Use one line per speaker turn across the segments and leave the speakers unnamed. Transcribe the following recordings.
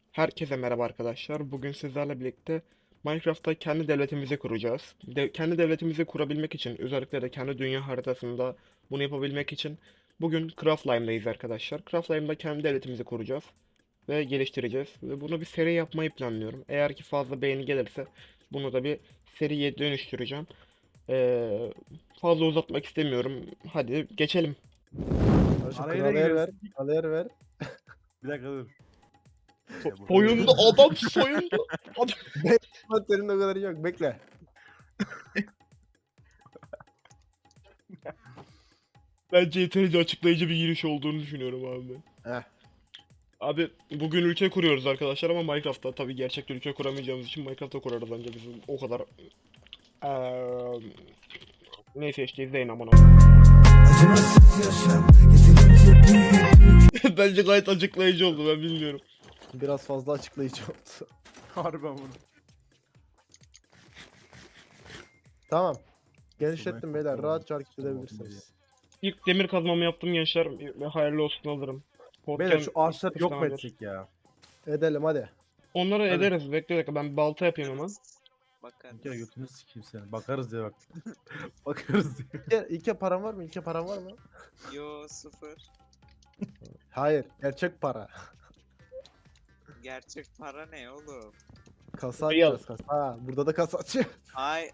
Herkese merhaba arkadaşlar. Bugün sizlerle birlikte Minecraft'ta kendi devletimizi kuracağız. Kendi devletimizi kurabilmek için, özellikle de kendi dünya haritasında bunu yapabilmek için bugün Craftline'dayız arkadaşlar. Craftline'da kendi devletimizi kuracağız ve geliştireceğiz. Ve bunu bir seri yapmayı planlıyorum. Eğer ki fazla beğeni gelirse bunu da bir seriye dönüştüreceğim. Ee, Fazla uzatmak istemiyorum. Hadi geçelim.
Kardeşim
Araya
kralı
ne
yer ver.
giriyorsun?
Kralı yer ver.
Bir dakika dur.
Soyundu adam soyundu. Adam.
Senin o kadar yok. Bekle.
Bence yeterince açıklayıcı bir giriş olduğunu düşünüyorum abi.
Heh.
Abi bugün ülke kuruyoruz arkadaşlar ama Minecraft'ta tabii gerçekten ülke kuramayacağımız için Minecraft'ta kurarız bence bizim o kadar neyse işte izleyin aman Bence gayet açıklayıcı oldu ben bilmiyorum.
Biraz fazla açıklayıcı oldu.
Harbiden bunu.
Tamam. Genişlettim beyler. Rahatça hareket edebilirsiniz.
İlk demir kazmamı yaptım gençler ve hayırlı olsun alırım.
Beyler şu ağaçları yok mu
tamamdır.
etsek ya?
Edelim hadi.
Onları
Hadi.
ederiz bekle dakika ben balta yapayım hemen.
Bir kere götünü sikeyim seni. Bakarız diye bak. Bakarız diye.
İlke paran var mı? İlke paran var mı?
Yo sıfır.
Hayır. Gerçek para.
Gerçek para ne oğlum?
Kasa
Real.
açacağız kasa. Ha, burada da kasa açıyor.
Ay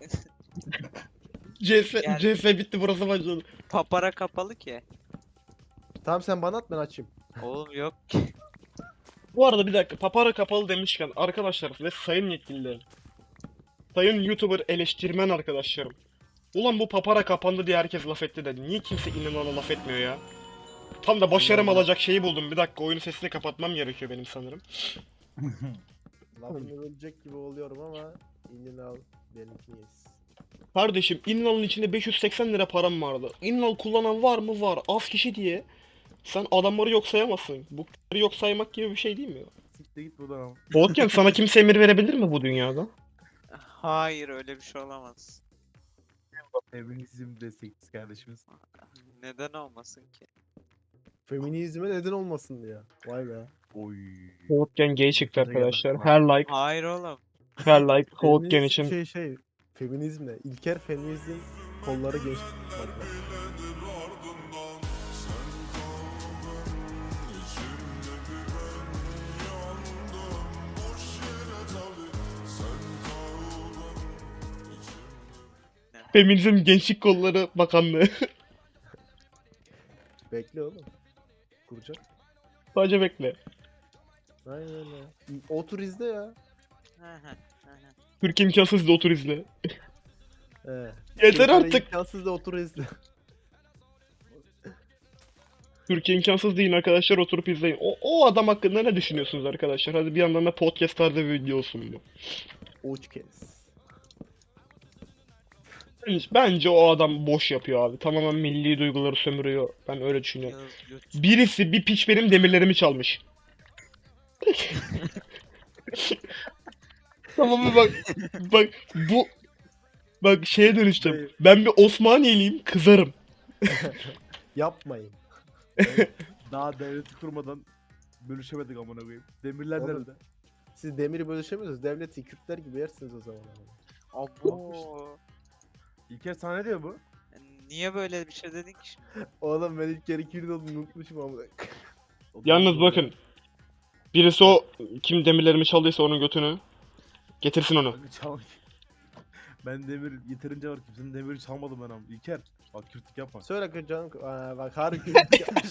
CS,
Gel.
CS bitti burası başladı.
papara kapalı ki.
Tamam sen bana at ben açayım.
Oğlum yok ki.
Bu arada bir dakika papara kapalı demişken arkadaşlar ve sayın yetkililer. Sayın YouTuber eleştirmen arkadaşlarım. Ulan bu papara kapandı diye herkes laf etti de niye kimse inanana laf etmiyor ya? Tam da başarım
Vallahi.
alacak şeyi buldum. Bir dakika oyunun sesini kapatmam gerekiyor benim sanırım.
Lafını bölecek gibi oluyorum ama inini al. Benimkini yes.
Kardeşim Inlal'ın içinde 580 lira param vardı. Innal kullanan var mı? Var. Az kişi diye. Sen adamları yok sayamazsın. Bu k***leri yok saymak gibi bir şey değil mi?
Siktir git buradan ama.
Boltken sana kimse emir verebilir mi bu dünyada?
Hayır öyle bir şey olamaz.
Feminizm destekçisi kardeşimiz.
Neden olmasın ki?
Feminizme neden olmasın diye. Vay be.
Oy.
Boltken gay çıktı
Bakınca
arkadaşlar.
geldi.
Her like,
Hayır oğlum.
her like Boltken
Feminizm
için.
Feminizm ne? İlker feminizm kolları genç. Bak bak.
Feminizm Gençlik Kolları Bakanlığı.
Bekle oğlum. Kuracak.
Sadece bekle.
Aynen öyle. Otur izle ya.
Hı hı, hı hı.
Türk imkansız da otur izle.
He.
Yeter artık.
İmkansız da otur izle.
Türkiye imkansız değil arkadaşlar oturup izleyin. O adam hakkında ne düşünüyorsunuz arkadaşlar? Hadi bir yandan da podcast tarzı bir video olsun bu.
Uç kez.
Bence o adam boş yapıyor abi. Tamamen milli duyguları sömürüyor. Ben öyle düşünüyorum.
Yağız göt.
Birisi bir piç benim demirlerimi çalmış. Tamam mı bak bak bu bak şeye dönüştüm.
Hayır.
Ben bir Osmaniyeliyim kızarım.
Yapmayın.
Daha devleti kurmadan bölüşemedik amına koyayım. Demirler
Oğlum.
nerede?
Siz demiri bölüşemiyorsunuz. Devleti Kürtler gibi yersiniz o zaman.
Abo.
İlker sana ne diyor bu?
Niye böyle bir şey dedin ki şimdi?
Oğlum ben ilk kere Kürt olduğunu unutmuşum ama.
Yalnız bakın. Birisi o kim demirlerimi çaldıysa onun götünü getirsin onu.
Kanka çal. Ben demir yeterince var, kimsenin demiri çalmadım ben ama. İlker bak Kürtlük yapma.
Söyle kız canım. Aa, bak harbi Kürt yapmış.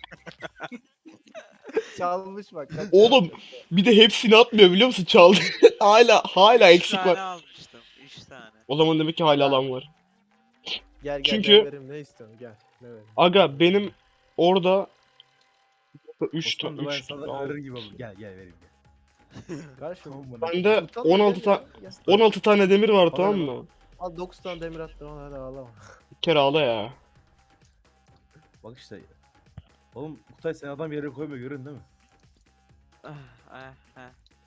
Çalmış bak. kaç
Oğlum
çalmış.
bir de hepsini atmıyor biliyor musun? Çaldı. hala
Üç
eksik
tane
var.
almıştım. 3 tane.
O zaman demek ki hala alan var.
Gel gel
Çünkü-
gel vereyim ne istiyorsun gel. Ne vereyim.
Aga benim orada 3
Osman
tane
da ben
3
sana verir gibi olur. Gel gel vereyim gel.
Kardeşim.
Tamam bana.
Bende
Sultan
16
gel
tane
ya, gel.
16 tane demir var
Bana
tamam
ne
mı?
Al 9 tane demir attım al hadi ağlama.
Bir kere ağla ya.
Bak işte. Oğlum Kutay sen adam yere koymuyor görün değil mi?
Ah, ah, ah.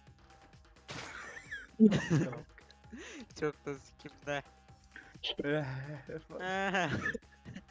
Çok da sikimde.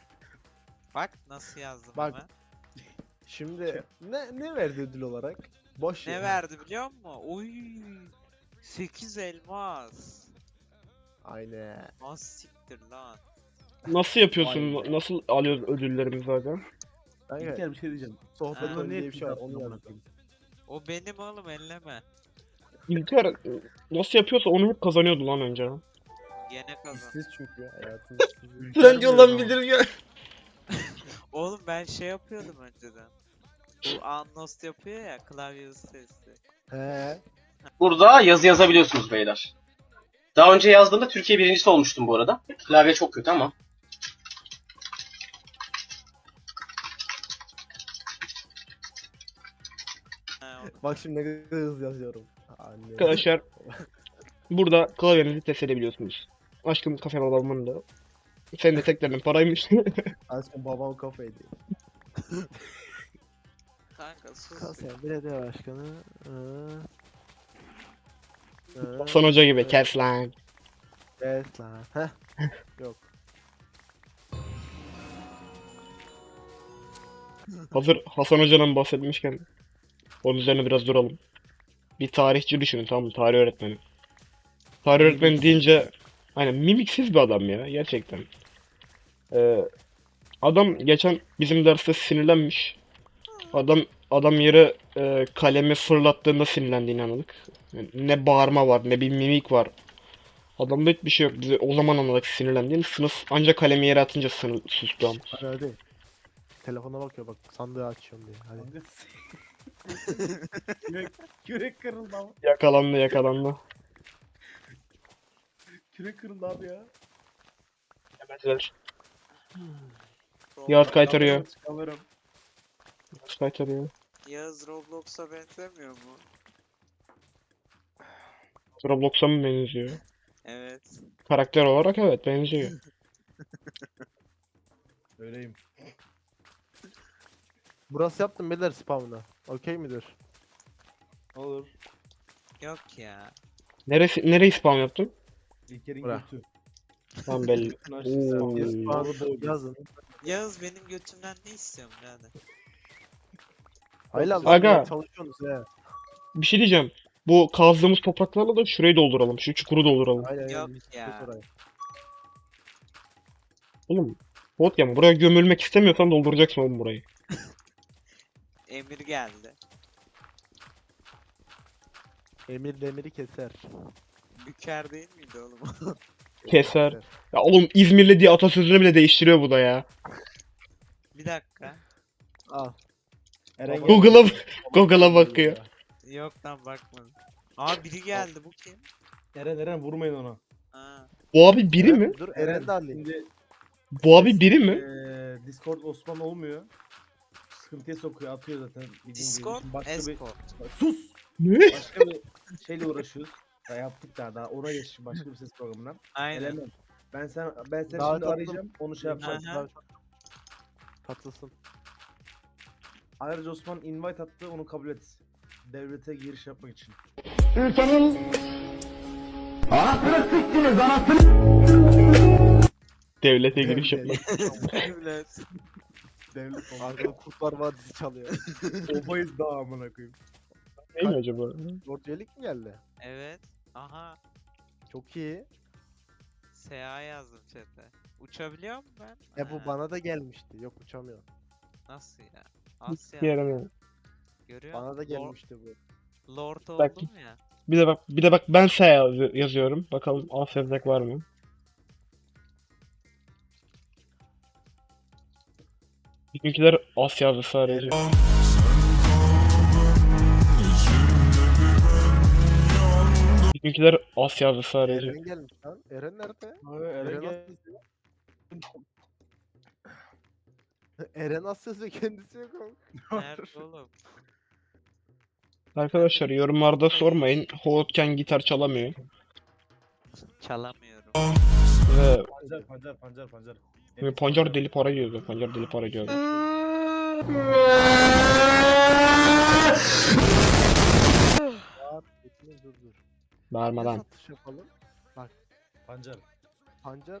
Bak nasıl yazdım
Bak.
ama.
Şimdi ne verdi ödül olarak? Boş
Ne
ya.
verdi biliyor musun? Oy. 8 elmas.
Aynen.
Az siktir lan.
Nasıl yapıyorsun?
Vay be.
Nasıl alıyoruz ödüllerimizi aga?
Kanka
İlker bir şey diyeceğim.
sohbet
Ha.
Buna
oyunu
niye
diye bir şey var
tilt
onu
attın amına
yazdım.
koyayım?
O benim oğlum elleme.
İlker nasıl yapıyorsa onu hep kazanıyordu lan önce.
Gene kazan.
İşsiz çünkü hayatın işsiz.
Ülker diyor ama.
ya.
Oğlum ben şey yapıyordum önceden. Bu Annost yapıyor ya klavye hız testi.
He.
Burada yazı yazabiliyorsunuz beyler. Daha önce yazdığımda Türkiye birincisi olmuştum bu arada. Klavye çok kötü ama.
Ha, o-
Bak şimdi ne kadar hızlı yazıyorum. Anne.
Arkadaşlar burada klavyenizi test edebiliyorsunuz. Aşkım kafem alalımın da. Senin de teklerinin paraymış.
Aşkım babam kafaydı.
Kanka sus.
Kasem belediye başkanı.
Hasan Hoca gibi kes lan.
Evet lan. Heh. Yok.
Hazır Hasan Hoca'dan bahsetmişken onun üzerine biraz duralım. Bir tarihçi düşünün, tamam mı? Tarih öğretmeni. Tarih öğretmeni deyince aynen mimiksiz bir adam ya gerçekten. Adam geçen bizim derste sinirlenmiş. Adam yere kalemi fırlattığında sinirlendiğini anladık. Yani ne bağırma var ne bir mimik var. Adamda hiçbir şey yok. Bize o zaman anladık sinirlendiğini. Sınıf ancak kalemi yere atınca sustu ama.
Hadi. Telefona bakıyor bak sandığı açıyorum diye. Hadi.
Kanka kürek, kürek kırıldı ama.
Yakalandı.
Kürek kırıldı abi ya.
Yemediler.
Roblox-
Yağız kaytarıyor.
Çıkamıyorum.
Yağız kaytarıyor.
Yağız Roblox'a benzemiyor mu?
Roblox'a mı benziyor?
Evet.
Karakter olarak evet benziyor.
Öyleyim.
Burası yaptım beyler spamına. Okey midir?
Olur.
Yok ya.
Nereyi spam yaptın?
İlker'in
Bırak.
götü.
Tamam belli. Oo.
Spam yazın.
Yağız benim götümden ne istiyorsun birader?
Hayla
Aga.
lan çalışıyorsunuz he.
Bir şey diyeceğim. Bu kazdığımız topraklarla da şurayı dolduralım. Şu çukuru dolduralım.
Aynen
Yok
aynen.
ya.
Oğlum. Bot ya buraya gömülmek istemiyorsan dolduracaksın oğlum burayı.
Emir geldi.
Emir demiri keser.
Büker değil miydi oğlum?
Keser. Ya oğlum İzmirli diye atasözünü bile değiştiriyor bu da ya.
Bir dakika.
Al.
Eren
Baba-
Google'a bakıyor.
Yok lan bakmadım. Aa biri geldi bu kim?
Eren vurmayın ona.
Ha.
Bu abi biri
Eren,
mi?
Dur Eren de alayım.
Şimdi
Bu abi biri mi?
Discord Osman olmuyor. Sıkıntıya sokuyor, atıyor zaten. bildiğin gibi.
Discord,
Şimdi başka
Escort.
Sus!
Ne?
Başka bir şeyle uğraşıyoruz. Ya yaptık daha ona geçtim başka bir ses programından.
Aynen.
Elemem. Ben seni
Davet
şimdi
attım.
arayacağım. Onu şey yapacağım.
Aha.
Katılsın.
Ayrıca Osman invite attı, onu kabul et. Devlete giriş yapmak için.
Devlete giriş yapmak.
Evet.
Devlet olmak.
Arkada Kurtlar Vadisi çalıyor.
Obayız daha amına koyayım.
Ne mi acaba?
Dörtyelik mi geldi?
Evet. Aha.
Çok iyi.
SA yazdım chat'e. Uçabiliyor muyum ben?
Bu
Ha,
bana da gelmişti. Yok uçamıyor.
Nasıl ya? Asya.
Bir yaramıyor.
Görüyor
Bana da
musun?
gelmişti bu.
Lord
Bak.
oldum ya.
Bir de bak ben S yazıyorum. Bakalım A sevdak var mı? Bizimkiler As yazdı sadece. Bizimkiler As yazdı sadece.
Eren gelmiş lan. Eren nerede?
Abi Eren
Eren
gel.
Eren Asya'sı kendisi yok oğlum.
Nerede oğlum?
Arkadaşlar yorumlarda sormayın. Hoğutken gitar çalamıyor.
Çalamıyorum.
Ve Pancar deli para diyordu. Pancar deli para diyordu.
Var. Bekle, dur. Ne
Bağırmadan.
satış yapalım?
Pancar.
Pancar.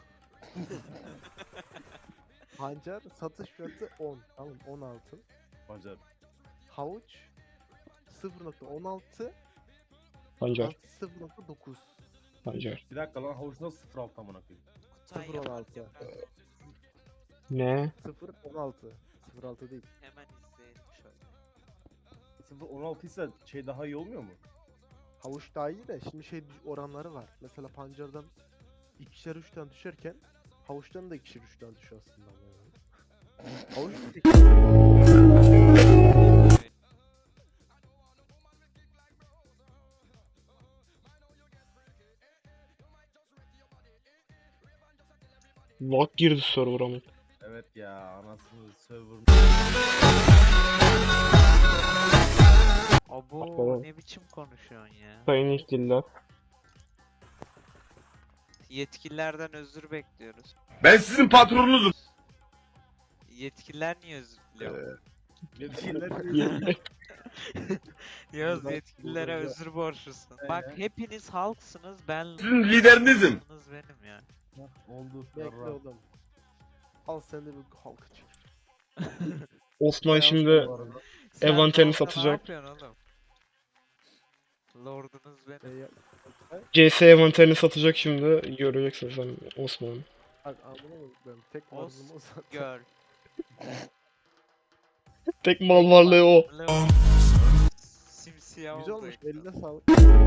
Pancar satış fiyatı 10. Tamam 10 altın.
Pancar.
Havuç 0.16
Pancar.
0.9
Pancar.
Bir dakika lan havuç nasıl 0.6 amına koyayım?
Kutay
0.16.
yalan yapar.
Ne?
0.16 0.6 değil.
Hemen izleyelim şöyle.
0.16 ise şey daha iyi olmuyor mu?
Havuç daha iyi de şimdi şey oranları var. Mesela pancardan 2'şer 3'ten düşerken havuçtan da 2'şer 3'ten düşüyor aslında. Havuç
Lag girdi server'a mı?
Evet ya anasını server.
Abo
Baba.
ne biçim konuşuyorsun ya?
Sayın yetkililer.
Yetkililerden özür bekliyoruz.
Ben sizin patronunuzum.
Yetkililer niye özür diliyor?
Yetkililer
Yağız
Buradan-
yetkililere
buradan-
özür borçlusun. Bak hepiniz halksınız ben
Sizin liderinizim.
halksınız benim ya.
oldu.
bekle
yarra.
oğlum. Al sen de bir halka çık.
Osman şimdi
Sen
Envanterini
Lord'a
satacak.
Ne yapıyorsun oğlum? Lordunuz benim.
CS envanterini satacak şimdi. Göreceksin sen Osman.
Bak amına koyayım tek
Os-
varzım o zaten.
Gör.
Tek mal varlığı o.
Lord. Simsiyah
Güzel
oldu.
olmuş
ekran.
eline sağlık.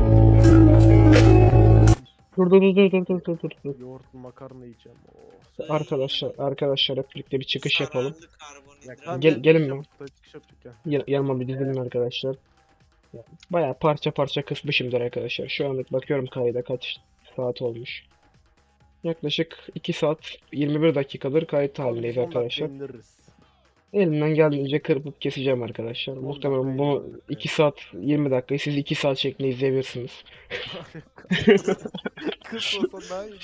Dur.
Yoğurtlu makarna yiyeceğim. Oh.
Arkadaşlar hep birlikte bir çıkış yapalım.
Zararlı karbonhidrat.
Tamam,
Gelin
çıkış
mi?
yaptık, çıkış yaptık ya.
Yanıma bir dizilin arkadaşlar. Bayağı parça parça kısmışımdır arkadaşlar. Şu anlık bakıyorum kayda kaç saat olmuş. Yaklaşık 2 saat 21 dakikadır kayıt halindeyiz
Son dakika
arkadaşlar.
indiririz.
Elimden geldiğince kırpıp keseceğim arkadaşlar.
On
Muhtemelen
dakika
bunu
indiririz,
2 saat 20 dakikayı siz 2 saat şeklinde izleyebilirsiniz.
Kız olsa daha iyi.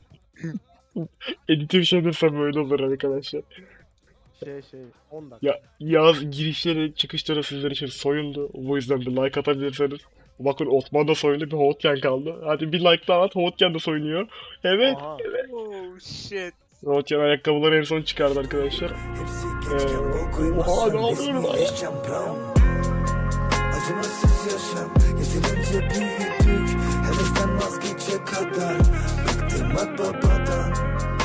Editör şeylerse böyle olur arkadaşlar.
Şey 10 dakika.
Ya yaz girişleri çıkışları sizler için soyundu. Bu yüzden bir like atabilirseniz. Bakın Osman da soyundu, bir Hoğutken kaldı. Hadi bir like daha at, Hoğutken de soyunuyor. Evet,
Aha.
Oh shit.
Hoğutken ayakkabıları en son çıkardı arkadaşlar. Oha ne yapıyorum lan ya?
Acımasız yaşam yeterince büyüdük. Hevesten vazgeçe kadar bıktım bak babadan.